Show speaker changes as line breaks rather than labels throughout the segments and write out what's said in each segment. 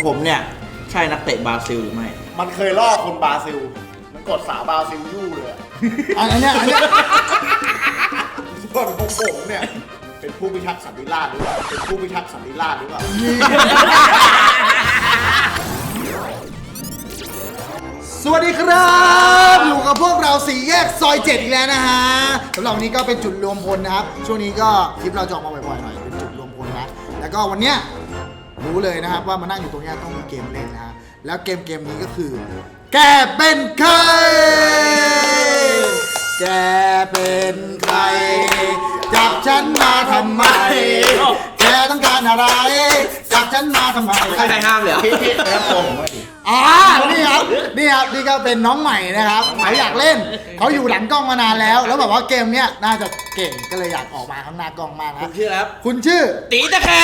ผมเนี่ยใช่นักเตะบราซิลหรือไม่
มันเคยล่อคนบราซิลมันกดสาวบราซิลยู่เลย
อันเนี้ย
ส่วนของผมเนี่ยเป็นผู้พิทักษ์สันติราษฎร์หรือเปล่าเป็นผู้พิทักษ์สันติราษฎร์หรือเปล่า
สวัสดีครับอยู่กับพวกเราสี่แยกซอย7อีกแล้วนะฮะสำหรับวันนี้ก็เป็นจุดรวมพลนะครับช่วงนี้ก็คลิปเราจะออกมาบ่อยๆหน่อยเป็นจุดรวมพลนะแล้วก็วันเนี้ยรู้เลยนะครับว่ามานั่งอยู่ตรงนี้ต้องมีเกมเล่นนะฮะแล้วเกมนี้ก็คือแกเป็นใครแกเป็นใครจับฉันมาทำไมแกต้องการอะไรจับฉันมาทำไม
ใครห้ามเลย
พี่ครับผม
นี่ครับนี่ก็เป็นน้องใหม่นะครับเขาอยากเล่นเขาอยู่หลังกล้องมานานแล้วแบบว่าเกมเนี้ยน่าจะเก่งก็เลยอยากออกมาข้างหน้ากล้องมากนะ
คุณชื่อครับ
คุณชื่อ
ตีตะแค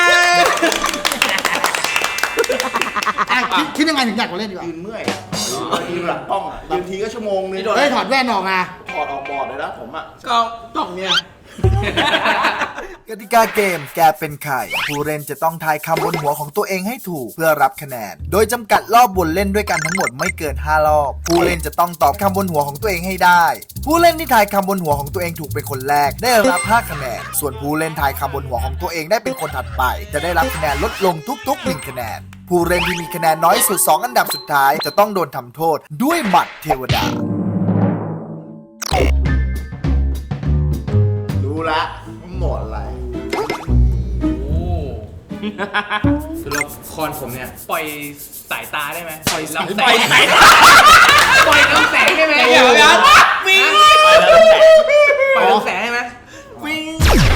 คิดยังไงถึงอยากมาเล่นดีกว่า
ยืนเมื่อยยืนหลังกล้องบางทีก็ชั่วโมงนึง
ถอดแว่นออกนะ
ถอดออกบอร์ดเลยนะผม
ก็ต้องเนี่ย
กติกาเกมแกเป็นใครผู้เล่นจะต้องทายคำบนหัวของตัวเองให้ถูกเพื่อรับคะแนนโดยจำกัดรอบบนเล่นด้วยกันทั้งหมดไม่เกิน5รอบผู้เล่นจะต้องตอบคำบนหัวของตัวเองให้ได้ผู้เล่นที่ทายคำบนหัวของตัวเองถูกเป็นคนแรกได้รับ5คะแนนส่วนผู้เล่นทายคำบนหัวของตัวเองได้เป็นคนถัดไปจะได้รับคะแนนลดลงทุกๆ1คะแนนผู้เล่นที่มีคะแนนน้อยสุด2อันดับสุดท้ายจะต้องโดนทำโทษด้วยหมัดเทวดา
รู้ละหมดอะไร
ตัวละครผมเนี่ยปล่อยสายตาได้ไหมปล่อยลำแสงปล่อยลำแสงได้ไหม
วิ่ง
ปล่อยลำแสงได้ไหมวิ่ง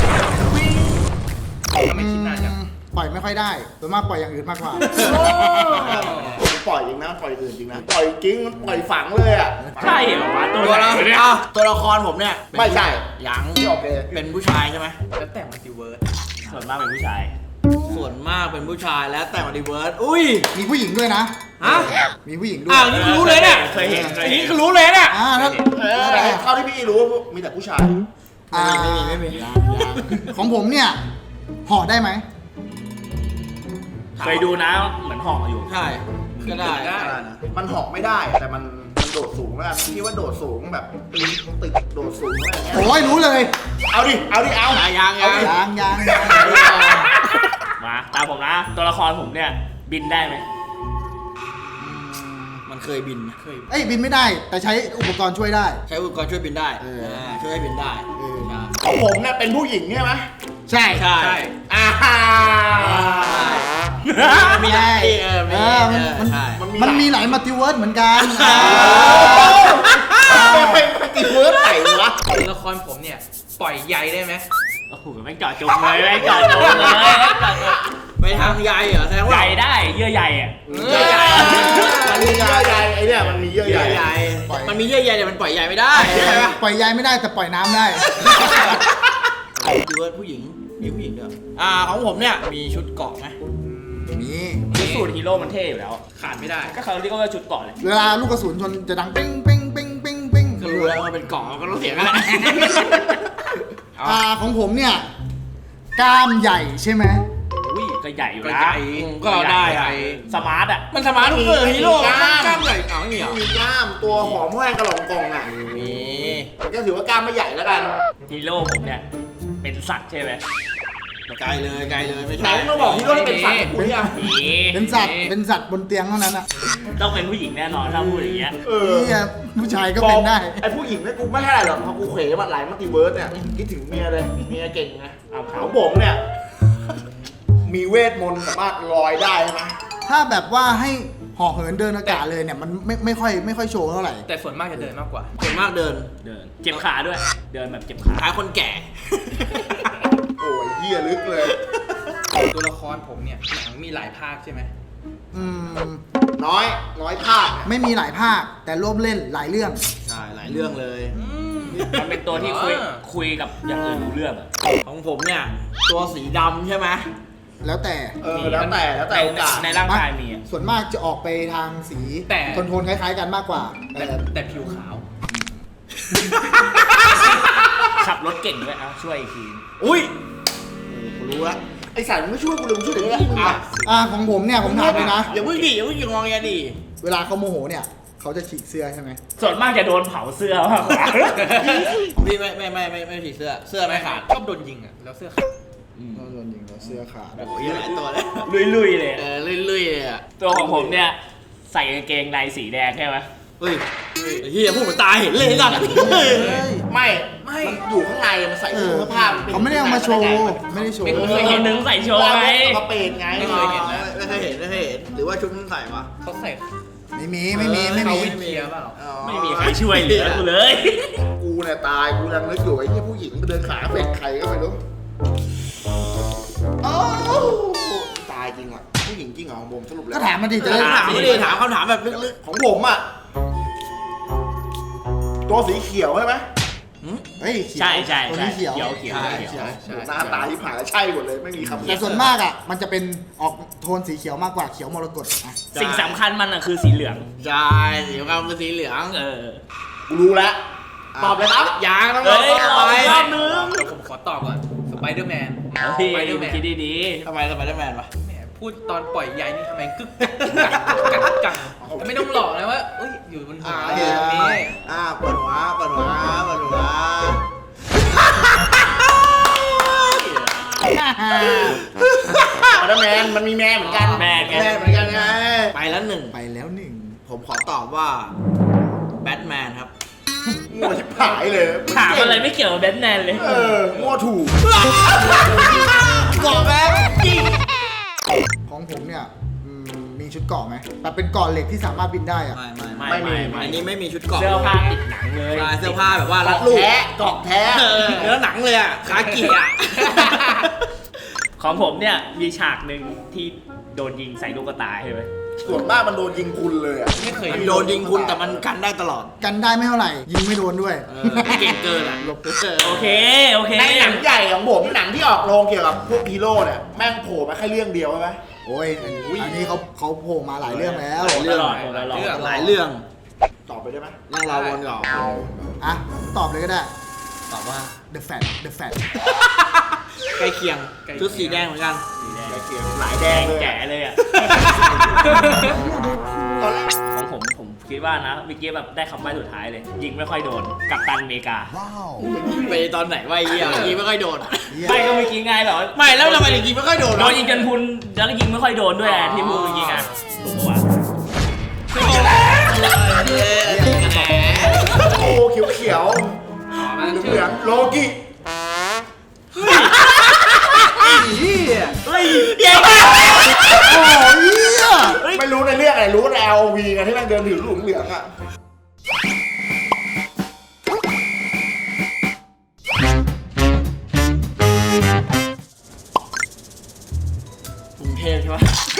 ทำไมคิดนานจัง
ปล่อยไม่ค่อยได้ส่วนมากปล่อยอย่างอื่นมากกว่า
ปล่อยจริงนะปล่อยอื่นจริงนะปล่อยกิ้งปล่อยฝังเลยอ่ะ
ใช่เหรอวะ
ตัวละครผมเนี่ย
ไม่ใช่
ยัง
ที่ออก
เป็นผู้ชายใช่ไหม
แล้วแต่มัลติเวิร์ส
ส่วนมากเป็นผู้ชายแล้วแต่มัลติเวิร์สอุ้ย
มีผู้หญิงด้วยนะ
ฮะ
มีผู้หญิงด้วย
นี่รู้เลยเนี่ย
เคยเห็น
นี่รู้เลยเนี่ย
เท่าที่พี่รู้มีแต่ผู้ชาย
ไม่มี
ของผมเนี่ยห่อได้ไหม
เคยดูนะเหมือนห่ออยู่
ใช่ก็ได้
มันห่อไม่ได้แต่มันโดดสูงแล้วพี่ว่าโดดสูงแบบตึกโดดสูงอะไรเงี้ย
โอ้ยรู้เลย
เอาดิ
ยัง
มาตามผมนะตัวละครผมเนี่ยบินได้ไหม
มันเคยบิน
บินไม่ได้แต่ใช้อุปกรณ์ช่วยได้
ใช้อุปกรณ์ช่วยบินได้ช่วยให้บินได้
ของผมเนี่ยเป็นผู้หญิงใช่ไหม
ใช่
มีได้
มันมีหลายมัลติเวิร์สเหมือนกัน
เป็นมัลติเวิร์สไหนวะ
ตัวละครผมเนี่ยปล่อยใยได้ไหมโอ้โหไม่เจาะจงเลย
ไปทางใยเหรอแสดงว่า
ใยได้เยื่อใยอ่ะ
มันมีเยื่อใยไอ้เนี่ยมันมีเยื่อใย
มันมีเยื่อใยแต่มันปล่อยใยไม่ได้
ปล่อยใยไม่ได้แต่ปล่อยน้ำได้
ดูว่าผู้หญิงมีผู้หญิงด้วยของผมเนี่ยมีชุดเกาะไหม
มีสูตรฮีโร่มันเท่อยู่แล้วขาดไม่ได้ก็เขาเรียกว่าชุดเกาะเลย
เวลาลูกกระสุนชนจะดังปิ้งปิ้งปิ้งปิ้งปิ้ง
ก็รู้แล้วว่าเป็นเกาะก็ต้องเสียงกันแหละ
ของผมเนี่ยกล้ามใหญ่ใช่ไหม
ก็ใหญ่อยู่นะ
ก็ได้
สมาร์ทอ่ะ
มันสมาร์ทเกินฮีโร่กล้ามใหญ่ไม่มี
มีกล้ามตัวหอมแห้งกระหล่ำกล่องอ่ะ
มี
ก็ถือว่ากล้ามไม่ใหญ่แล้วกัน
ฮีโร่ผมเนี่ยเป็นสัตว์ใช่ไหม
ไกลเลยไม่ใช่
ต้องบอกฮีโร่ที่เป็นสัตว์กูยัง
เป็นสัตว์บนเตียงเท่านั้นอะ
ต้องเป็นผู้หญิงแน่นอนถ้าพูดอย่างเงี้ย
ผู้ชายก็เป็นได้
ไอ้ผู้หญิงเนี่ยกูไม่เท่าไหร่หรอกเพราะกูเขวมาหลายมัลติเวิร์สเนี่ยคิดถึงเมียเลยเมียเก่งไงของผมเนี่ยมีเวทมนต์สามารถลอยได้ไหม
ถ้าแบบว่าให้ห่อเหินเดินอากาศเลยเนี่ยมันไม่ค่อยโชว์เท่าไหร่
แต่ส่วนมากจะเดินมากกว่า
ส่วนมากเดิน
เจ็บขาด้วยเดินแบบเจ็บขา
คล้ายคนแก่
โอ้ยเหี้ยลึกเลย
ตัวละครผมเนี่ยหนังมีหลายภาคใช่ไหม
น้อยภาค
ไม่มีหลายภาคแต่ร่วมเล่นหลายเรื่อง
ใช่หลายเรื่องเลย
มันเป็นตัวที่คุยกับอย่างอื่นรู้เรื่อง
ของผมเนี่ยตัวสีดำใช่ไหม
แล้วแต่
โอกาส
ในร่างกายมี
ส่วนมากจะออกไปทางสีโทนคล้ายๆกันมากกว่า
แต่ผิวขาวขับรถเก่งด้วยช่วยอีกที
อุ้ยรู้ละ
ไอ้สารมึงไม่ช่วยกูเลยมึงช่วยเดี๋ยวนี้มึงอ่ะ
ของผมเนี่ยผมถามเลยนะ
อย่าเพิ่งดิอย่าเพิ่งงองแงดิ
เวลาเขาโมโหเนี่ยเขาจะฉีกเสื้อใช่ไหม
ส่วนมากจะโดนเผาเสื้อมากกว่า
พี่ไม่ถีเสื้อเสื้อไม่ขาด
ชอบโดนยิงอ่ะแล้วเสื้อขาด
เราโดนยิงเราเสื้อขาด
โอ้ยหลายตัวเลย
ลุยๆเลย
ลุยๆเลยอ่ะ
ตัวของผมเนี่ยใส่กางเกงในสีแดงใช่ไหม
เฮ้ยเฮียพูดเหมือนตายเห็นเลยสัตว์
ไม่มันอยู่ข้างในมันใส่เสื้อผ้า
เขาไม่ได้เอามาโชว์ไม่ได้โชว์
เคยเห็นนึงใส่โชว์ไง
มาเปนไง
ไม่เคยเห็นนะไม่เคยเห็นหรือว่าชุดนั้นใส่ปะ
เขาใส่
ไม่มีไม่มี
เขาวินเคลียร์เปล่า
ไม่มีใครช่วยเหลือกูเลย
กูเนี่ยตายกูยังนึกอยู่ไอ้ที่ผู้หญิงไปเดินขาเฟกใครก็ไม่รู้โอ้ตายจริงอ่ะผู้หญิงจริงเหรอของผมสรุปแล้ว
ก็ถามมาดิจะได้
ถามไม่ได้ถามคำถามแบบลึก
ของผมอ่ะตัวสีเขียวใช่ไหม
เฮ้ยเขียว
ใช่ใช่
ตัว
ใช่
นี้เขียว
เขียว
หน้าตาที่ผ่านแล้วใช่หมดเลยไม่มีคำ
แต่ส่วนมากอ่ะมันจะเป็นออกโทนสีเขียวมากกว่าเขียวมรกตอ่ะ
สิ่งสำคัญมันอ่ะคือสีเหลือง
ๆใช่สีขาวเป็นสีเหลือง
กูรู้แล้วตอบเลยครับ
ยางต้อง
เฮ้ย
ไป
รอบนึง
เดี๋ยวผมขอตอบก่อนสไปเดอร์แมน
เฮ้ย
สไปเดอร์แมน
คิดดี
ทำไมสไปเดอร์แมนวะ
แหมพูดตอนปล่อยใยนี่ทำไมกึกกักแต่ไม่ต้องหลอกนะว่าเอ้ยอยู่บนหัวอยู่ตรงนี้
เปิดหัวเปิดหัวเปิดหัว
มาแล้วแมนมันมีแมนเหมือนกัน
ๆแม่แก
แม่เหมือนกันไงไปแล้วหนึ่ง
ไปแล้วหนึ่ง
ผมขอตอบว่าแบทแมนครับ
มั่วชิบหายเลย
ถามอะไรไม่เกี่ยวกับแบทแมนเลย
มั่วถูก
บอกแล้วจริง
ของผมเนี่ยมีชุดเกราะไหมแต่เป็นเกราะเหล็กที่สามารถบินได้อ่ะ
ไม่อันนี้ไม่มีชุดเกราะ
เสื้อผ้าติดหนังเลย
ใช่เสื้อผ้าแบบว่ารัดรูป
เกาะแท้
เนื้อหนังเลยอ่ะขาเกียร์
ของผมเนี่ยมีฉากหนึ่งที่โดนยิงใส่ลูกกระตายใช่ไหม
ส่วนมากมันโดนยิงคุณเลยอ่ะ
ไม่เคย
มันโดนยิงคุณแต่มันกันได้ตลอด
กันได้ไม่เท่าไหร่ ยิงไม่โดนด้วย
เก่งเกินอ่ะ
โอเค
ในหนังใหญ่ของผมหนังที่ออกโรงเกี่ยวกับพวกฮีโร่เนี่ยแม่งโผล่มาแค่เรื่องเดียวใช่ไหม
โอ้ยอันนี้เขาโผล่มาหลายเรื่องแล้ว
ตลอดตลอด
หลายเรื่อง
ตอบไปได้ไหม
นั่งรอวนก่อน
อ่ะตอบเลยก็ได้
ตอบว่า
The Fat The Fat
ใกล้เคียงชุดสีแดงเหมือนกัน
หลายแด
แด
ง
ง
เลย
แก่เลยอ่ะ
ตอนแรก
ของผมคิดว่านะเมื่อกี้แบบได้คำใบ้สุดท้ายเลย ยิงไม่ค่อยโดนกัปตันอเมริกา
ไปตอนไหนวะไอ้เหี้ยยิงไม่ค่อยโดน
ไม่ก็เมื่อกี้ไงแบบว่า
ไม่แล้วทำไมถึงยิงไม่ค่อยโดน
โดนยิงจนพุนแล้วยิงไม่ค่อยโดนด้วยอะที่พูดเมื่อกี้ไงถูกปะ
โอ้เขียว
มัน
ๆเห
ชื่
ลื
อ
องๆโลกิ
เฮ้ย
โอ้ยเหี้ย
ไม่รู้ในเรื่องอะไรรู้ใน LOV ไงที่แม่งเดินถือลูกเหลืองอ่ะ
กรุงเทพใช่ปะ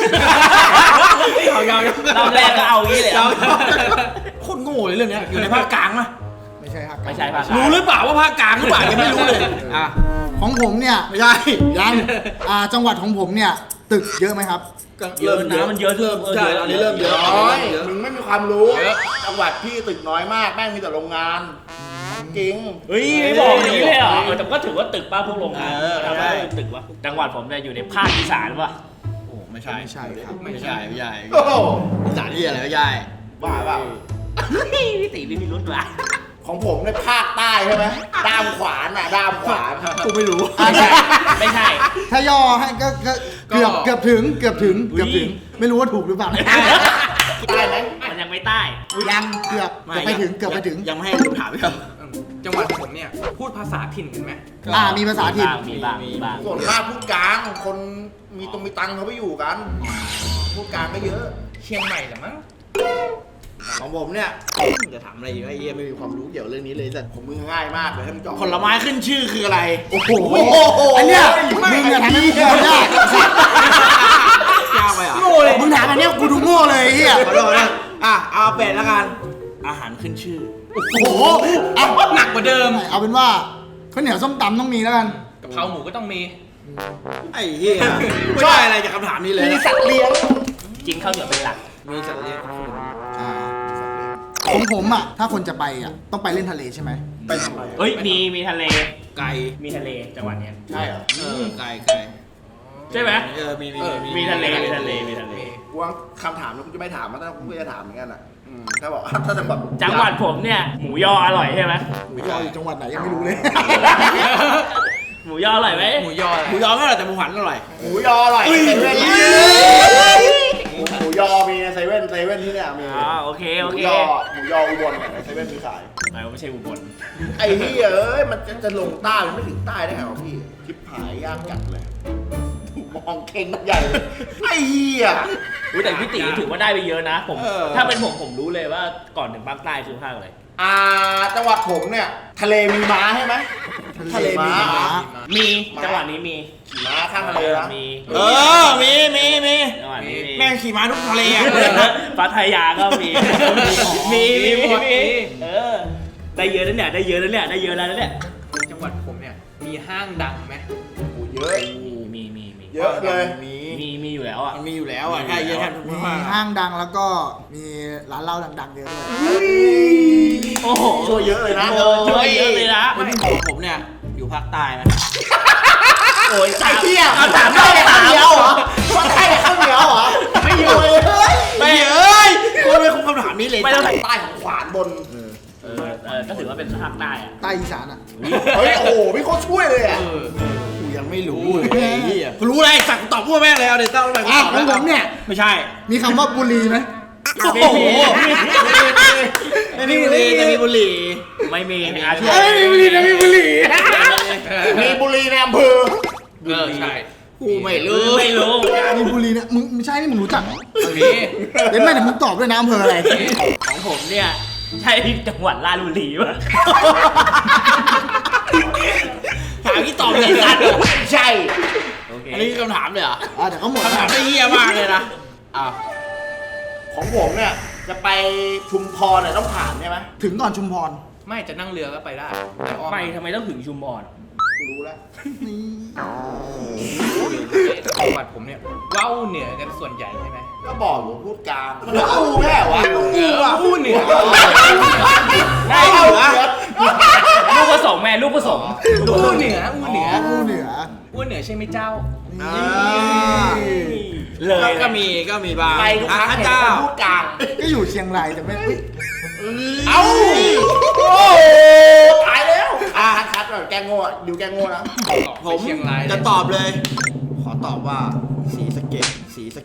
รอบแรกก็เอางี้เลยอะ
โคตรโง่เลยเรื่องเนี้ยอยู่ในภาคกลางปะ
ไม่ใช่ครับ
ไม่ใช่ภาค
รู้หรือเปล่าว่าภาคกลางหรือเปล่ายังไม่รู้เลยอ่ะ
ของผมเนี่ย
ไม่ใช่
ยังจังหวัดของผมเนี่ยตึกเยอะไหมครับ
เยอะนะมันเยอะเพิ่ม
ใช่อันนี้เริ่มเยอะ
น้อยมึงไม่มีความรู้จังหวัดพี่ตึกน้อยมากแม่งมีแต่โรงงานจริง
เฮ้ยไม่บอกอย่างนี้เลยเหรอแต่ก็ถือว่าตึกป้าพวกโรงงาน
ใช่
ทำให้ตึกวะจังหวัดผมเนี่ยอยู่ในภาคอีสานวะ
โอ้ไม่ใช่
ไม่ใช่ครับ
ไม่ใช่ไม่ใช่
โอ้โห
สถานที่อะไรไม่ใช่
บ้าเปล่า
พี่ตีไม่มีรุ่นวะ
ของผมในภาคใต้ใช่ไหมด้ามขวานอ่ะด้ามขวาน
กูไม่รู้
ไม่ใช่
ถ้าย่อให้ก็เกือบถึงไม่รู้ว่าถูกหรือเปล่านะ
ใต้ไหม
มันยังไม่ใต้
ยังเกือบไปถึงเกือบไปถึง
ยังไม่ให้ดูถามพี่ครับ
จังหวัดผมเนี่ยพูดภาษาถิ่นกันไหม
มีภาษาถิ่น
มีบ้างมีบ้าง
ส่วนมากพูดกลางคนมีตังค์เขาไปอยู่กันพูดกลางก็เยอะ
เชียงใหม่เหรอมั้ง
ของผมเนี่ยจะถามอะไรอีกวะไอ้เหี้ยไม่มีความรู้เกี่ยวเรื่องนี้เลยแต่
ผมมือง่ายมากเลยให้มึงจอบ
ผลไม้ขึ้นชื่อคืออะไร
โอ้โหอันเนี้ยมึงอะทำให้มึงโง่ยาก
ยากไปเหรอ
มึงถามอันเนี้ยกูดูโง่เลยไอ้เฮีย
ขอโทษนะเอาเป็ดแล้วกัน อาหารขึ้นชื่อ
โอ้โหอ่ะ
หนักกว่าเดิม
เอาเป็นว่าข้าวเหนียวส้มตำต้องมีแล้วกัน
กะเพราหมูก็ต้องมี
ไอ้เหี้ยไม่ได้อะไรจากคำถามนี้เลย
มีสัตว์เลี้ยง
จริงข้าวเหนียวเป็นหลัก
มีสัตว์เลี้ยง
ของผมอ่ะถ้าคนจะไปอ่ะต้องไปเล่นทะเลใช่ไหม
ไปทำไม
เฮ้ยมีทะเล
ไก่
มีทะเลจังหวัดเนี้ย
ใช่เหรอ
ไก่
ใช่ไหม
มี
มีทะเลมีทะเลมีทะเล
กูว่าคำถามนี้กูจะไม่ถามมันแต่กูก็จะถามเหมือนกันอ่ะถ้าบอกถ้าจะแบบ
จังหวัดผมเนี่ยหมูยออร่อยใช่ไหม
หมูยออยู่จังหวัดไหนยังไม่รู้เลย
หมูยออร่อยไหม
หมูยออะไร
หมูยอไม่อร่อยแต่หมูหันอร่อย
หมูยออร่อยเซเว่นหมูยอมีเซเว่นที่เนี่ยมี
โอเค
ห
โอ
มู
เค
ยออุบลในเซเว่นมีขาย
ไม่ใช่อุบล
ไอ้ที่เอ้ยมันจะลงใต้มันไม่ถึงใต้ได้ไงวะพี่ชิบหายยากจัดเลยมองเข่งใหญ่เลยไอ้เหี้ย
อุ๊ยแต่พี่ตีถือว่าได้ไปเยอะนะผมถ้าเป็นผมรู้เลยว่าก่อนถึงภาคใต้คือภาคอะไร
จังหวัดผมเนี่ยทะเลมีม้าใช่ไหมทะเลมีม้า
มีจังหวัดนี้มี
ขี่ม้าข้างทะเลนะ
มี
มี
จังหวัดนี้มี
แม่งขี่ม้าทุกทะเลอ่ะ
พัทยาก็มีมีได้เยอะแล้วเนี่ยได้เยอะแล้วเนี่ยได้เยอะแล้วเนี่ย
จังหวัดผมเนี่ยมีห้างดังไหม
โอ้เยอะ
มี
เยอะเลย
มีอยู่แล้วอ่ะ
มันมีอยู่แล้วอ่ะใช่เยอะแทบทุก
มี
ภาค
ห้างดังแล้วก็มีร้านเหล้าดังๆเยอะด้วย
โอ้โห
ช่วยเยอะเลยนะ
ช่วยเยอะเลยนะ
ผมเนี่ยอยู่ภาคใต้นะ
โอ้ย
ไอ้เหี้ยถามได้ข้าวเหนียวเหรอว่าได้ข้าวเหนียวเหรอไม่อยู่เลย
ไม่เอ้ยกูไม่คงคำถามนี้เลย
ไม่ต้อง
ใต้ของขวานบน
ก็ถือว่าเป็นภาคใต้อ่ะ
ใต้อีสานอ่ะ
เฮ้ยโอ้โหพี่โคตรช่วยเลยอ่ะ
กูยังไม่รู้เลยไอ้เหี้ยกูรู้อะไรสั่งตอบพวกแม่งเลยเอาเดี๋ยวต้องไป
ของผมเนี่ย
ไม่ใช่
มีคำว่าบุรีไหม
โอ้โหไม่มีบุหรี่แต่มีบุหรี่
ไม่มีอาช่วย
มีบุรีนะมีบุรี
มีบุรีในอำเภอ
ใช่
กูไม่รู้
ไม่รู้
มีบุรีเนี่ยมึงไม่ใช่นี่มึงรู้จักเหรอ
มี
เดี๋ยวแม่เดี๋ยวมึงตอบด้วยนะอำเภออะไร
ของผมเนี่ยใช่จังหวัดราชบุรีป่ะ
ถามที่ตอบเลยสัตว์
ใช่
โอเค
อันนี้คือคำถามเลยเหรอ
เดี๋ยวเขาหมด
คำถามไม่เหี้ยมากเลยนะอ้าว
ของผมเนี่ยจะไปชุมพรเนี่ยต้องผ่านใช่ไหม
ถึงก่อนชุมพร
ไม่จะนั่งเรือก็ไปได้แต่อ้อม
ไปทำไมต้องถึงชุมพร
รู้แล้ว
นี่
จังหวัดผมเนี่ยว้าวเหนือกันส่วนใหญ่ใช่ไหม
ก็บอกอยู่พูดกลางมันก็อู้แค่วะอู้อ่ะ
อู้เหนือ
ได้เหรอลูกผสมแม่ลูกผสม
อู้เหนืออู้เหนือ
อู้เหนือ
อู้เหนือใช่ไหมเจ้า
เลย
ก็มีบาง
ไปทุกครั้ง
พระ
เนี่ย
เจ้า
พูดกลาง
ก็อยู่เชียงรายแต่ไม่เอ้ย
เอ้าโอ้ตายแล้วคัดหน่อยแกงโง่อะดิวแกงโง่นะ
ผม
เชียงราย
จะตอบเลย ขอตอบว่าสีสะเก็ด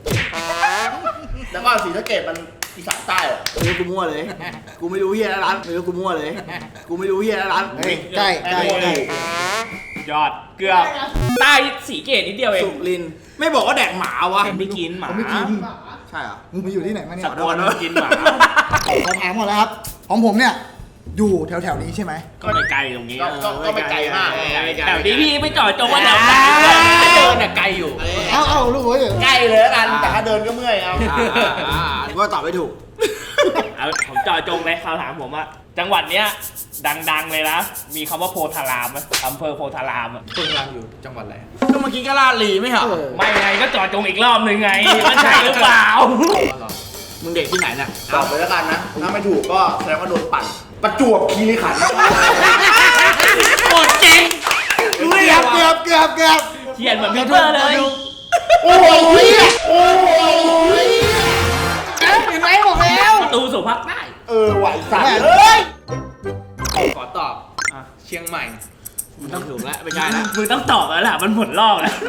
แล้วก็ศรีสะเกษมันอีสานใต้เหรอ
ไม่รู้กูมั่วเลย กูไม่รู้เฮียร้านไม่รู้กูมั่วเลย กูไม่รู้เฮียร้าน
เฮ้ยใกล้ใกล้ใกล้
ยอดเกือบใต้สีเกตนิดเดียวเอง
สุรินทร์ไม่บอกว่าแดกหมาวะ
ไม่กินหมา
เขาไม่กิน
ใช่เหรอ
มึงไปอยู่ที่ไหนมาเนี่ย
สักคนไม่กินหมา
ขอถามก่อนแล้วครับ ของผมเนี่ย อยู่แถวๆนี้ใช่ไหม
ก็ไม่ไกลตรงนี้
ก็ไม่ไกลมาก
แถวนี้พี่ไม่จอดจงว่าแถวไหน
ถ้าเดินน่ะไกลอยู่
เอาลูกเอ้ย
ใกล้เลยแล้วกันแต่ถ้าเดินก็เมื่อยเอา
กูก็ตอบไม่ถูก
เอาผมจอดจงเลยคำถามผมว่าจังหวัดเนี้ยดังๆเลยนะ มีคำว่าโพธารามไหมอำเภอโพธารามอะ
คุณรังอยู่จังหวัดอะไร
ก็เมื่อกี้ก็ลาดลีไม่เหรอ
ไม่ไงก็จอดจงอีกรอบหนึ่งไงมันใช่หรือเปล่า
มึงเด็กที่ไหนเนี่ย
ตอบไปแล้วกันนะ ถ้าไม่ถูกก็แสดงว่าโดนปั่น ประจวบคีรีขันธ์
โคตรเจ๋ง
เกือบ
เขียนเหมือนพีเตอร์เลย
โอ้ยโอ้ย
เห็นไหมบอกแล้ว
ประตูสู่ภาคใต้
ไหวสัตว์เลย
ขอตอบเชียงใหม่
มึงต้องถูกแล้วไม่ใช่แล้ว
มึงต้องตอบแล้วล่ะมันหมดรอบแล้ว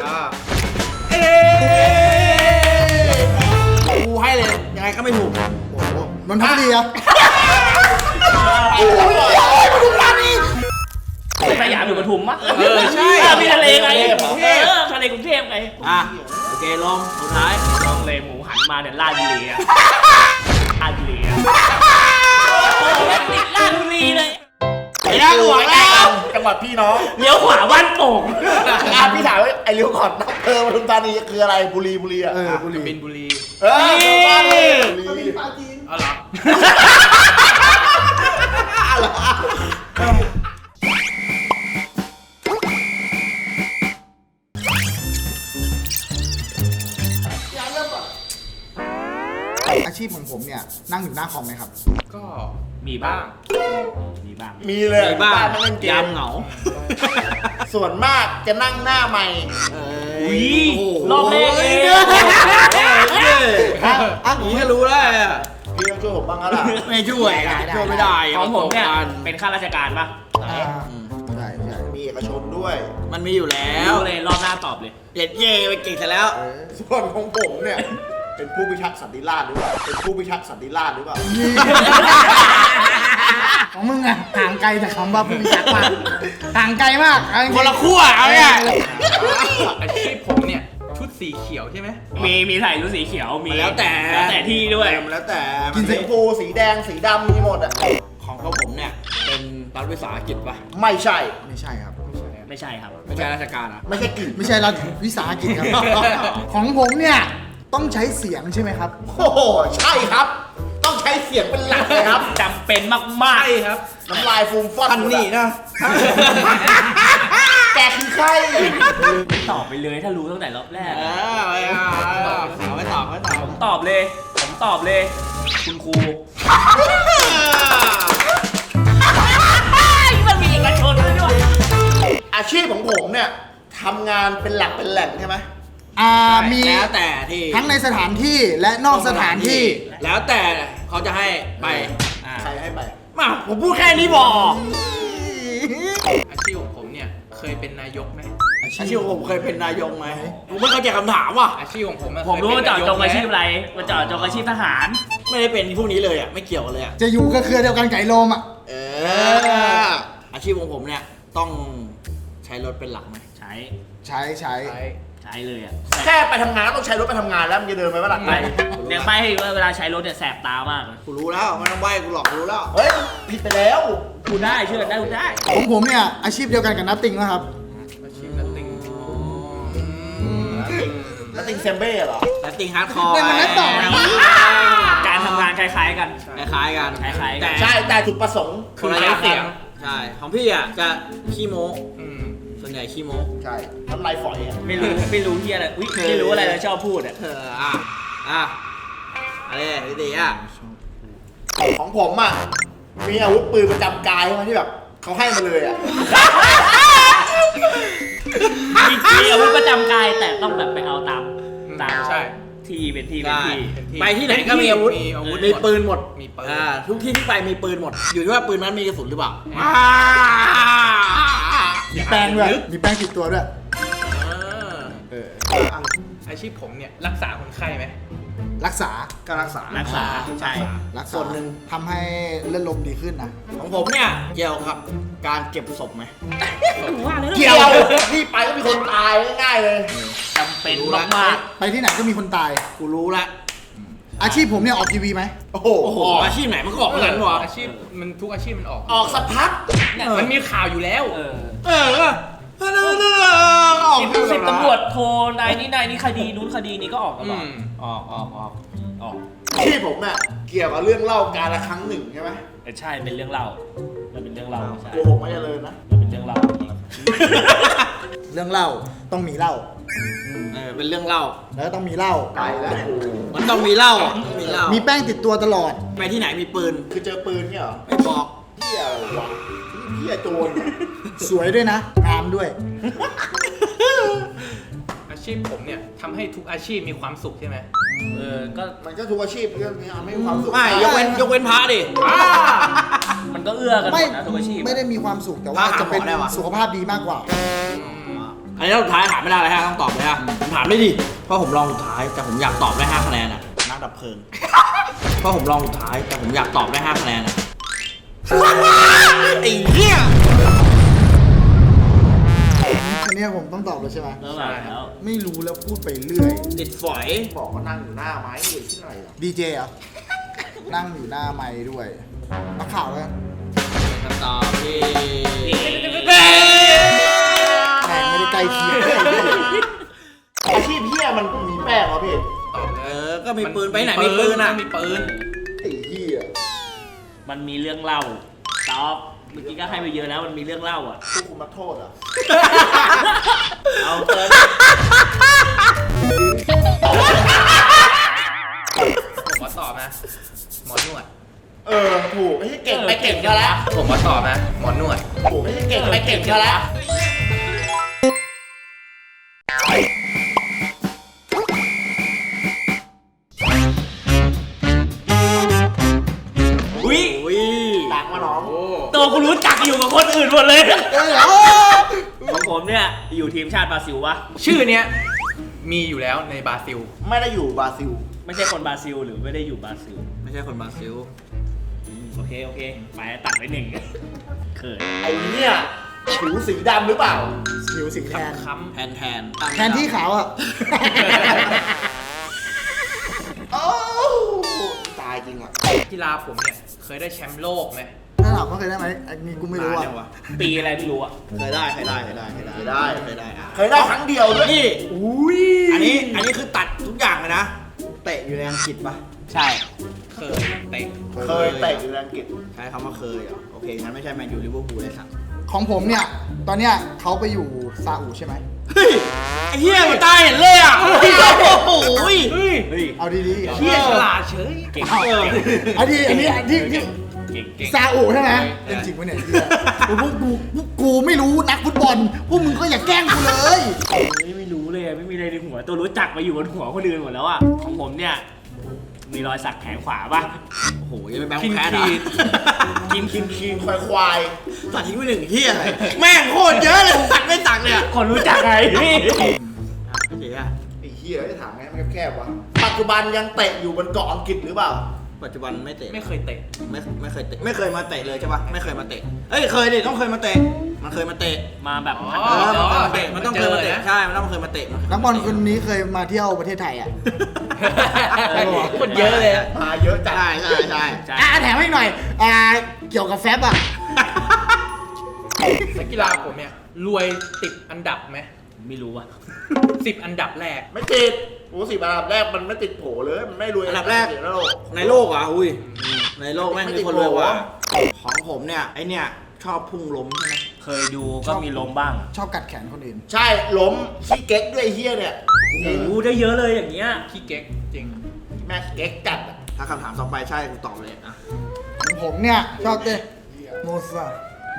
กูให้เลยยังไงก็ไม่ถูก
โอ้โหนนทบุรีอะ
สยามอยู่ปทุมปะ
ใช่
มีทะเลไงทะเลกรุงเทพไง
อ่ะโอเคลงสุดท้าย
ลองเลยหมูหันมาเนี่ยลาดบุรีอะลาดบุรีอะติดลาดบุรีเลย
ไม่ได้หัวแล้ว
จังหวัดพี่น้อง
เลี้ยวขวาบ้านโป่ง
พี่ถามว่าไอ้เลี้ยวขอดอำเภอปทุมธานีคืออะไรบุรีอ่ะ
บุรี
บินบุรี
บุรี
เอาเหรอ
อาชีพของผมเนี่ยนั่งอยู่หน้าคอมไหมครับ
ก็
มีบ้าง มีบ้าง
มีเลย
ในบ้าน
ไม่เล่นเกม
ยามเหงา
ส่วนมากจะนั่งหน้าใหม่
เอ้ย
อุ้ยรอบแรกเอง
อ่ะผมก็รู้แล้วอ่ะ
พี่ต้องช่วยผมบ้างแล้วล่ะ
ไม่ช่วยอ่ะช่วยไม่ได้
ของผมเนี่ย
ประสบการณ์
เป็นข้าราชการปะ
ใช่ใช่
มีเอกชนด้วย
มันมีอยู่แล้ว
รู้เลยรอบหน้าตอบเลย
เด็ดเย่ไปเก่งซะแล้ว
ส่วนของผมเนี่ย เป็นผู้พิทักษ์สันติราษฎร์หรือเปล่า เป็นผู้พิทักษ์สันติราษฎร์หรือเปล่า
ของมึงอะห่างไกลแต่คำว่าผู้พิทักษ์มากห่างไกลมากเอาจริงๆ
คนละขั้วเอาเนี่ย
อาชีพผมเนี่ยชุดสีเขียวใช่ไหม
มีใส่ชุดสีเขียวมี
แล้วแต่
ที่ด้วย
มันแล้วแต่สีชมพูสีแดงสีดำมีหมดอ่ะ
ของเขาผมเนี่ยเป็นรัฐวิสาหกิจปะ
ไม่ใช่
ไม่ใช่ครับ
ไม่ใช่ครับ
ไม่ใช่ราชการอ่ะ
ไม่ใช่กลิ่น
ไม่ใช่รัฐวิสาหกิจครับ ของผมเนี่ยต้องใช้เสียงใช่ไหมครับ
โอ้โห ใช่ครับ ต้องใช้เสียงเป็นหลักเลยครับ
จำเป็นมากๆครับ
น้ำลายฟูมฟัด
ท่านนี่นะ
แกคือใคร
ตอบไปเลยถ้ารู้ตั้งแต่รอบแรก
เอาไม่ตอบไม่ตอบ
ผมตอบเลย คุณครูมันมีเอกชนด้วย
อาชีพของผมเนี่ยทำงานเป็นหลักเป็นแหล่งใช่ไหม
มี
แล้วแต่ที่
ทั้งในสถานที่และนอกสถานที่
แล้วแต่เขาจะให้ไปอ่า
ใครให้ไป
มาผมพูดแค่นี้บอก
อาชีพของผมเนี่ยเคยเป็นนายกไหม
อาชีพของผมเคยเป็นนายกไหมผมไม่เข้าใจคำถามว่ะ
อาชีพของผมอะ
ผมรู้ว่าเจาะจงอาชีพ
เคยเป็นนยกไหม
อะไรมาเจาะจงอาชีพทหาร
ไม่ได้เป็นพวกนี้เลยอ่ะไม่เกี่ยวกันเลยอ่ะ
จะอยู่กับเครือเดียวกันไก่โลมอ่ะ
อาชีพของผมเนี่ยต้องใช้รถเป็นหลักไหม
ใช้
ใช้
ใช้เลยอ่ะ
แค่ไปทำงานก็ต้องใช้รถไปทำงานแล้วมันจะเดินไปว่าหลัง
ไม่เนี่ยไม่ให้เวลาใช้รถเนี่ยแสบตามากเลย
กูรู้แล้วไม่ต้องใบ้กูหลอกกูรู้แล้ว
เฮ้ย ผิดไปแล้ว
คุณได้เชื่อได้คุณได้
ของผมเนี่ยอาชีพเดียวกันกับนัตติงนะครับ
อาชีพนัตติ้ง
แล้วติงเซมเบ้เหรอ
แล้วติงฮาร์ดคอร์
นั่นมันนัดต่อ
การทำงานคล้ายๆกัน
คล้ายๆกัน
คล้ายๆกัน
แต่
ใช่ แต่จุดประสงค์
คนละอย่างกันใช่ของพี่อ่ะจะขี้โม้
อืม
ส่วนใหญ่ขี้โม้
ใช่น้ำลายฝอยอ่ะ
ไม่รู้ที่อะไรอุ๊ยไม่รู้อะไรเลยชอบพูดอ่ะ
อะไรพี่ตีอ่ะ
ของผมอ่ะ มีอาวุธปืนประจำกายใช่ไหมที่แบบเขาให้มาเลยอ่ะ
มีอาวุธประจำกายแต่ต้องแบบไปเอาตาม
ใช่
ที่เป็นที่
ได้
เป็นที่
ไปที่ไหนก็มีอาวุธ
มีอาวุธ
มีปืนหมด
มีปืน
ทุกที่ที่ไปมีปืนหมด อยู่ที่ว่าปืนนั้นมีกระสุนหรือเปล่า
มีแป้งด้วย มีแป้งติดตัวด้วย
อาชีพผมเนี่ยรักษาคนไข้ไหม
รักษา
ก็รักษา
รักษาใช่
รักษา
ส่วนหนึ่ง
ทำให้เลือดลมดีขึ้นนะ
ของผมเนี่ยเกี่ยวกับการเก็บศพไหม
เกี่ยวที่ไปก็มีคนตายง่ายๆเลย
จำเป็นมาก
ไปที่ไหนก็มีคนตาย
กูรู้ละ
อาชีพผมเนี่ยออกทีวีไหม
โอ้โห
โอ้โหอาชีพไหนมันก็ออกเหมือนกันวะ
อาชีพมันทุกอาชีพมันออก
ออกสักพัก
มันมีข่าวอยู่แล้ว
ๆ
ออก
สิบตำรวจโทรนายนี่คดีนู้นคดีนี้ก็ออกตลอด
อืม
ออก
อาชีพผมเนี่ยเกี่ยวกับเรื่องเล่าการละครั้งหนึ่งใช่ไหม
ใช่เป็นเรื่องเล่ามันเป็นเรื่องเล่าใช่
โกหกไม่เจริญนะ
มันเป็นเรื่องเล่า
เรื่องเล่าต้องมีเล่า
เป็นเรื่องเล่า
แล้วก็ต้องมีเล่า
ไปแล้ว
มันต้องมีเหล้ามีเหล้า
มีแป้งติดตัวตลอด
ไปที่ไหนมีปืน
คือเจอปืนเนี่ยเหรอ
ไม่บอก
เที่ยอะไรวะเที่ยโจรเนี่ย
สวยด้วยนะ งามด้วย
อาชีพผมเนี่ยทำให้ทุกอาชีพมีความสุขใช่ไหม
ก็
มันก็ทุกอาชีพเรื่องนี้ไม่มีความสุข
ไม่ยกเว้นพระดิ
มันก็เอื้อกันหม
ไม่
ดนะทุกอาชีพ
ไม่ได้มีความสุขแต่ว่าจะเป็นสุขภาพดีมากกว่า
อันนี้สุดท้ายถามไม่ได้เลยฮะต้องตอบเลยฮะผมถามได้ดิเพราะผมลองสุดท้ายแต่ผมอยากตอบได้5คะแนนอ่ะนักดับเพลิงเพราะผมลองสุดท้ายแต่ผมอยากตอบได้5คะแนนอ่ะไอ้เหี้ย
อันเนี้ยผมต้องตอบเลยใช่ไหม
แล้วแบบแล้ว
ไม่รู้แล้วพูดไปเรื่อย
ติดฝอย
บอกว่านั่งอยู่หน้าไม้อยู่ที่ไหนเหรอ
ดีเจเหรอ นั่งอยู่หน้าไม้ด้วยนักข่าวแล้ว
คำตอบที่
แม่งไม่ได้ใกล้เคียง
อาชีพเฮียมันมีแป้งเหรอพี่
ตอบเลย
ก็มีปืนไปไหนมีปืนอ่ะ
มีปืน
ไอ้เฮีย
มันมีเรื่องเล่าตอบเมื่อกี้ก็ให้ไปเยอะแล้วมันมีเรื่องเล่าอ่ะ
ผู้คุมนักโทษเหรอ
เอาเติม
ผมขอตอบนะ หมอนวด
ถูกไม่ใช่เก่งไปเก่งก็แล้ว
ผมขอตอบนะ หมอนวด
ถูกไม่ใช่เก่งไปเก่งก็แล้วงมาน้อง
ตัวกูรู้จักอยู่กับคนอื่นหมดเลย
เอ้ยเหรอ
ของผมเนี่ยอยู่ทีมชาติบราซิลวะ
ชื่อเนี้ยมีอยู่แล้วในบราซิล
ไม่ได้อยู่บราซิล
ไม่ใช่คนบราซิลหรือไม่ได้อยู่บราซิล
ไม่ใช่คนบราซิล
โอเคไปตัดไปหนึ่งเขิน
ไอ้เนี่ยผิวสีดำหรือเปล่า
ผิวสีแทน
ค้ำ
แทน
แทนที่ขาวอ่ะ
โอ้ตายจริงอ่ะ
กีฬาผมเนี่ยเคยได้แชมป์โลกไหม
ถ้าถามว่าเคยได้ไหมอันนี้กูไม่รู้
นาน
อ่ะ
ยังวะ
ปีอะไรไม่รู้อะ
เคยได้อ่ะ
เคยได้
เคยได้
เคยได้ครั้งเดียวด้วย
นี่
อุ้ย
อันนี้คือตัดทุกอย่างเลยนะ เตะอยู่ในอังกฤษปะ
ใช่
เคยเตะ
เคยเตะอยู่ในอังกฤษ
ใช้คำว่าเคยเหรอโอเคงั้นไม่ใช่แมนยูลิเวอร์พูลเลยสัตว์
ของผมเนี่ย ตอนเนี้ยเขาไปอยู่ซาอุใช่ไหม
เฮ้ยไอ้เหี้ยมันตายเห็นเลยอ่ะโอ้โห
เฮ้ย
เอาดีๆ
เที่ยฉลาดเฉย
เก่ง
อันนี้ที่
เก่ง
ซาอุใช่ไหมเป็นจริงปะเนี่ยเหี้ยพวกกูไม่รู้นักฟุตบอล พวกมึงก็อย่าแกล้งกูเลย
ไม่รู้เลยไม่มีอะไรในหัวตัวรู้จักมาอยู่บนหัวคนอื่นหมดแล้วอะของผมเนี่ยมีรอยสักแขนขวาป่ะ
โอ้โหยังไม่แบงค์แพ้เหรอ
คีนควาย
ตัดทิ้งไปหนึ่งเหี้ยอะไรแม่งโคตรเยอะเลยตัดไม่ตัดเนี่ย
คนรู้จักไงพี่
เหี้ย
ไอ้เหี้ยจะถามไงมันแคบๆวะปัจจุบันยังเตะอยู่บนเกาะอังกฤษหรือเปล่า
ปัจจุบันไม่เตะ
ไม่เคยเตะ
ไม่เคยเตะไม่เคยมาเตะเลยใช่ปะไม่เคยมาเตะเอ้ยเคยดิต้องเคยมาเตะมันเคยมาเตะ
มาแบบ
อ๋อ
มันต้องเคยมาเตะใช่มันต้องเคยมาเตะ
นักบอลคนนี้เคยมาเที่ยวประเทศไทยอ่ะ
คนเยอะเลย
มาเยอะจัด
ใช่
แถมให้หน่อย เกี่ยวกับแฟบอ่ะ
นักกีฬาผมเนี่ยรวยติดอันดับไหม
ไม่รู้อะ
10 อันดับแรก
ไม่ติดโอ้สิบอันดับแรกมันไม่ติดโผเลย มันไม่รวย
อันดับแรก
ในโลก
ในโลกอ่ะอุ้ยในโลกแม่งมีคนรวยกว่าของผมเนี่ยไอเนี่ยชอบพุ่งล้มใช่ไหม
เคยดูก็มีลมบ้าง
ชอบกัดแขนคนอื่น
ใช่ล้มขี้เก๊กด้วยไอ้เฮียเนี่ย
โอ้โหได้เยอะเลยอย่างเงี้ย
ขี้เก๊กจริง
แม่งเก๊กจัดอะ
ถ้าคำถามต่อไปใช่กูตอบเลยอ่ะ
ของผมเนี่ย ชอบเต้นโมซา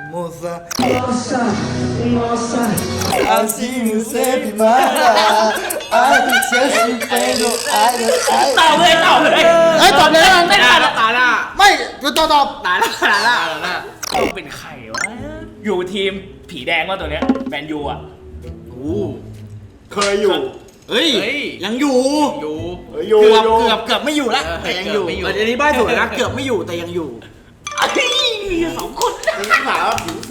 อาซิมูเซปิมาอาดิเซซิเปโดไอโดไอ
ตอบเลย
ตอบเลยนะ
ไม่ได้แล้วตาหน้า
ไม่ตอบ
ตาหน้า
ต้องเป็นใครวะอยู่ทีมผีแดงว่าตัวเนี้ยแมนยูอะ
โอ้
เคยอยู่
เฮ้ยยังอยู่
อยู่
อยู่
เกือบ
อยู่
เกือบไม่อยู่แล้วแต่ยังอยู่
เกือบไม่อยู่
อันนี้ใบ้สวยนะเกือบไม่อยู่แต่ยังอยู่
มีสองคน
นี่ถามว่าผิวสี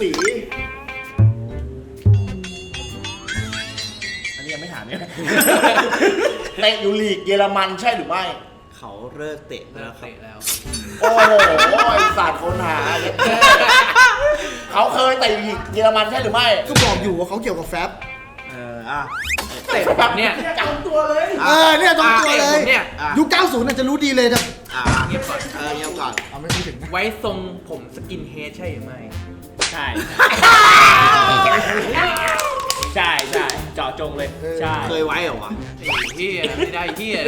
อันนี้ยังไม่ถามเนี่ย
เตะอยู่ลีกเยอรมันใช่หรือไม่
เขาเลิกเตะไป
เลิ
แล้ว
ก
ครับ
เตะแล้ว
โอ้โหไอสัตว์คนหาเย็ดแม่เขาเคยเตะอยู่ลีกเยอรมันใช่หรือไม่
ก็บอกอยู่ว่าเขาเกี่ยวกับแฟบ
อ่ะ
เตะแบบเนี้ย
จำตัวเลย
เนี่ยตรงตัวเลย
เนี่ย
ยุค 90 น่ะจะรู้ดีเลยแต่
เงียบก่อน
เงียบก่อน
เอาไม่พูดถึงนะ
ไว้ทรงผมสกินเฮดใช่หรือไม่
ใช่ใช่เจาะจงเลยใช่
เคยไว้เหรอวะ
ไอ้เฮียไม่ได้เฮียเลย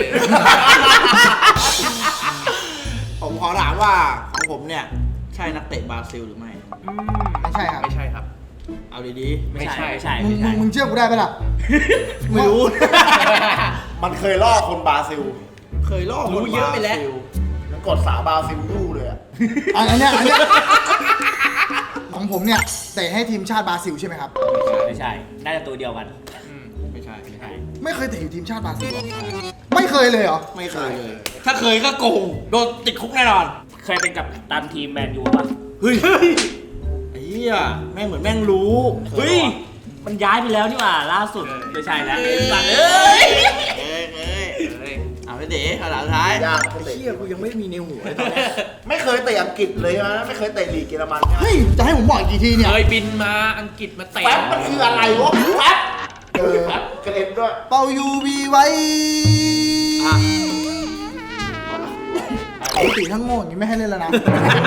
ผมขอถามว่าของผมเนี่ยใช่นักเตะบราซิลหรือไม่
ไม่ใช่ครับ
ไม่ใช่ครับ
เอาดี
ไม่ใช่
มึงเชื่อกูได้ปะล่ะ
ๆไม่รู้
มันเคยล่อคนบราซิล
เคยล่อ
รู้เยอะไปแล้ว
มันกดสาวบราซิลยู่เลยอะ
อันเนี้ยของผมเนี่ยเตะให้ทีมชาติบราซิลใช่ไหมครับ
ไม่ใช่น่าจะตัวเดียวกัน
ไม่ใช่
ไม่เคยเตะอยู่ทีมชาติบราซิลหรอไม่เคยเลยเหรอ
ไม่เคยเลย ถ้าเคยก็โกงโดนติดคุกแน่นอน
เคยเป็นกับตันทีมแมนยูป่ะ
เฮ้ยไอ้เหี้ยแม่งเหมือนแม่งรู้
เฮ้ยมันย้ายไปแล้วนี่หว่าล่าสุดไม่ใช่แล้วสัตว์เอ้
เอ้
ย
ยเอาไปเตะขนาดท้าย
ยากมัน
ไอ้
เตะ
เหี้ยกูยังไม่มีในหัวเลยตอนเนี้ย
ไม่เคยเตะอังกฤษเลยนะไม่เคยเตะลีกเยอรมันใช่ไหม
เฮ้ย จะให้ผมบอกอีกกี่ทีเนี่ย
เคยบินมาอังกฤษมาเตะ
แป๊บมันคืออะไรวะแป๊บแป๊บกระเด็นด้วย
เป่ายูวีไว้
อ่ะ
ปกติทั้งโง่อย่างนี้ไม่ให้เล่นแล้วนะ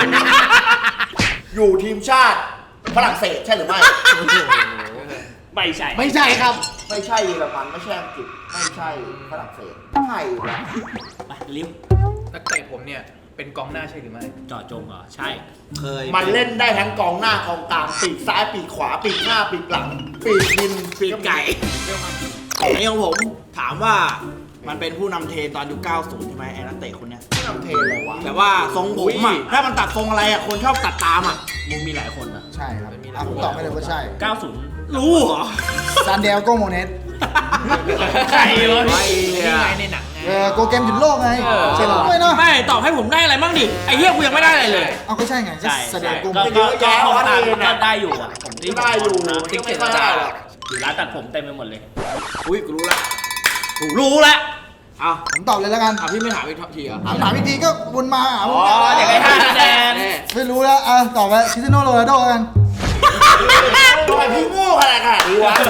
อยู่ทีมชาติฝรั่งเศสใช่หรือไม่
ไม่ใช่
ไม่ใช่ครับ
ไม่ใช่เยอรมันไม่ใช่อังกฤษไม่ใช่ฝรั่งเศสใช่วะ
ไปลิ้ว
นักเตะผมเนี่ยเป็นกองหน้าใช่หรือไม่
เจาะจงเหรอใช่
เคย
มันเล่นได้ทั้งกองหน้ากองกลางปีกซ้ายปีกขวาปีกหน้าปีกหลังปีกดิน
ปีกไก่ไอ้ของผมถามว่ามันเป็นผู้นำเทรนตอนยุค 90 ใช่ไหมไอ้นักเตะคนเนี้ย
ผู้นำเทรนอะไรวะ
แบบว่าทรงผมอ่ะถ้ามันตัดทรงอะไรอ่ะคนชอบตัดตามอ่ะมึงมีหลายคนอ่ะ
ใช่ครับผมตอบไม่เลยว่าใช่
90
รู้เหรอ
ซานเดลโกโมเนส
ใครวะ
นี่ไงในหนังไง
โกเกมหยุดโลกไงใช่ไหมไม่เนาะ
ไม่ตอบให้ผมได้อะไรบ้างดิไอ้เหี้ยกูยังไม่ได้อะไรเลย
เอาก็ใช่ไง
ใช่
ซานเดลโกโม
ก็
เนส
ก็ห้องตามก็ได้อยู่อ่ะผมที่
ได้อยู่
ติ๊ก
ไม่
เก็ต
ได้หรอก
อยู่ร้านตัดผมเต็มไปหมดเลย
อุ้ยกูรู้ละกูรู้ละเอา
ผมตอบเลยแล้วกัน
พี่ไม่ถามอีกทีเหรอ
ถามอีกทีก็วนมาหาผม
อ๋อเดี๋ยวให้5คะแนน
ไม่รู้แล้วตอบไปคริสเตียโนโรนัลโดกัน
ทำไมพี่โง่ขนาดนี้วะ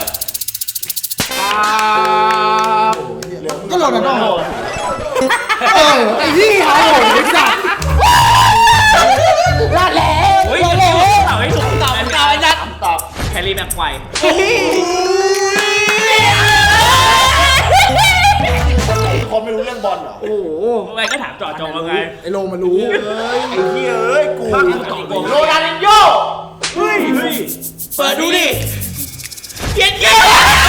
ก็โรนัลโดไอ้ที่เขาโหไอ้สัตว์ลาดแล้ว
เฮ้ย
ลาดแล้ว
ตอบให้ถูกตอบให้ถูกไอ้ยัดตอบแฮร์รี่แม็กไกวร์
คนไม่รู้เรื่องบอลเหรอ
โอ้โห
ทำไมก็ถามเจอดจงยังไง
ไอ้โลมารู้
ไอ้เหี้ยเอ้ยกู
ถ้ากูตอบ
โรนัลดินโญ่
เฮ้ยเปิดดูดิเย็นเย็น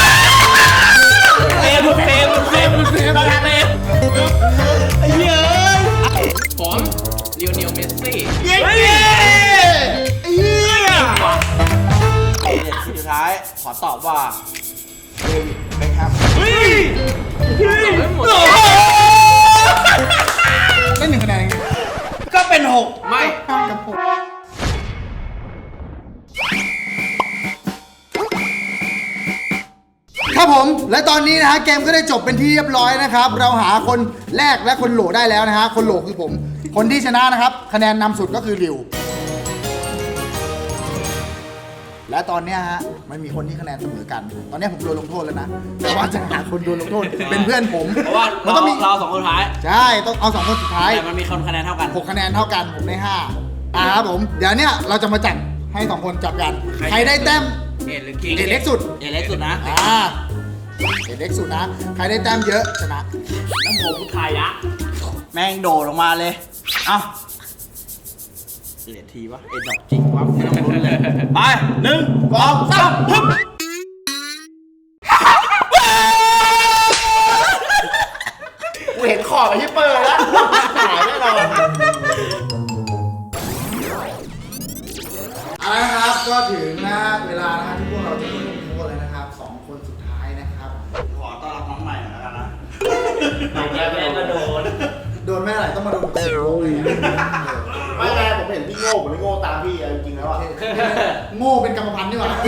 เฟมเฟมเฟมเฟมเฟม
ไอ้เหี้ย
ผมลิโอเนลเมสซี่
เย็นเย็นไอ้เหี้ยสุดท้ายขอตอบว่าเดวิดเบคแฮม
เฮ้ยเฮ้ย
ได้1 คะแนนเอง
ก็เป็นหก
ไม่
กับผมครับผมและตอนนี้นะฮะเกมก็ได้จบเป็นที่เรียบร้อยนะครับ เราหาคนแรกและคนโหลได้แล้วนะฮะคนโหลคือผม คนที่ชนะนะครับ คะแนนนำสุดก็คือริว และตอนเนี้ยฮะมันมีคนที่คะแนนเสมอกัน ตอนเนี้ยผมโดนลงโทษแล้วนะแต่ว่าจะหาคนโดนลงโทษเป็นเพื่อนผม
เพราะว่า
มันต้องมี
เราสองคนสุดท้าย
ใช่ต้องเอา2 คนสุดท้าย
แต่มันมีคนคะแนนเท่ากัน
6 คะแนนเท่ากันผมได้5ครับผมเดี๋ยวเนี้ยเราจะมาจับให้2 คนจับกันใครได้แต้ม
เอ็ดหรือคิง
เล็กสุด
เล็กสุดนะ
เล็กสุดนะใครได้แต้มเยอะชนะ
น้ำผมพุทธายะ
แม่งโดดลงมาเลย เอ้าเหรียญทีวะ เอ็ดดอกจริงวะไม่ต้องลุ้นเลย ไป1 2 3ฮึบ
กูเห็นขอบไอ้ฮิปเปอร์แล้วหายแน่นอน
เอาละครับก็ถึงนะเวลานะที่พวกเราจะโดนลงโทษแล้วนะครับ2 คนสุดท้ายนะครับ
ขอต้อนรับน้องใหม่หน่อยแล้วกันนะ
แม่ก็โดน
โดนแม่ไหนต้องมาโดนกูเลย
ไม่ไงผมเห็นพี่โง่ผมไม่โง่ตามพี่จริงๆแล้วอะ
โง่เป็นกรรมพันธุ์นี่หว่า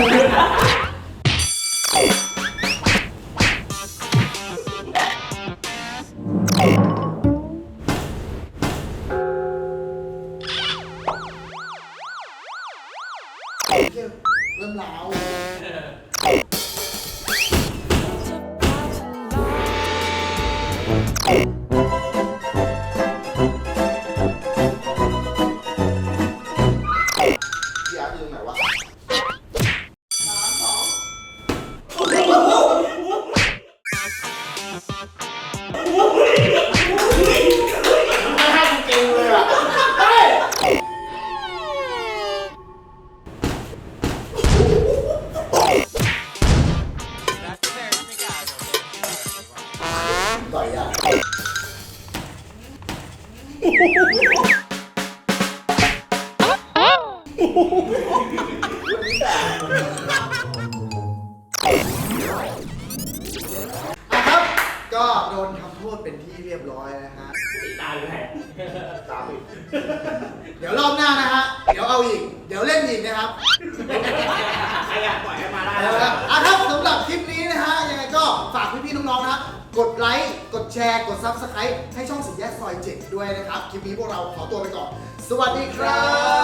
เริ่มล้าวพี่อาร์ตอยู่ตรงไหนวะ
ไม่ให้กูเก่งเลยอะเฮ้ย
ต่อยอ่ะครับก็โดนทำโทษเป็นที่เรียบร้อยนะฮะ
ตายเลย
ตามอีก
เดี๋ยวรอบหน้านะฮะ เดี๋ยวเอาอีก เดี๋ยวเล่นอีกนะครับ
ใครอยากปล่อยให้มาได้
ครับสำหรับคลิปนี้นะฮะ ยังไงก็ฝากพี่ๆน้องๆนะฮะกดไลค์ กดแชร์ กด Subscribe ให้ช่องสีแยกซอย 7 ด้วยนะครับ คลิปนี้พวกเราขอตัวไปก่อน สวัสดีครับ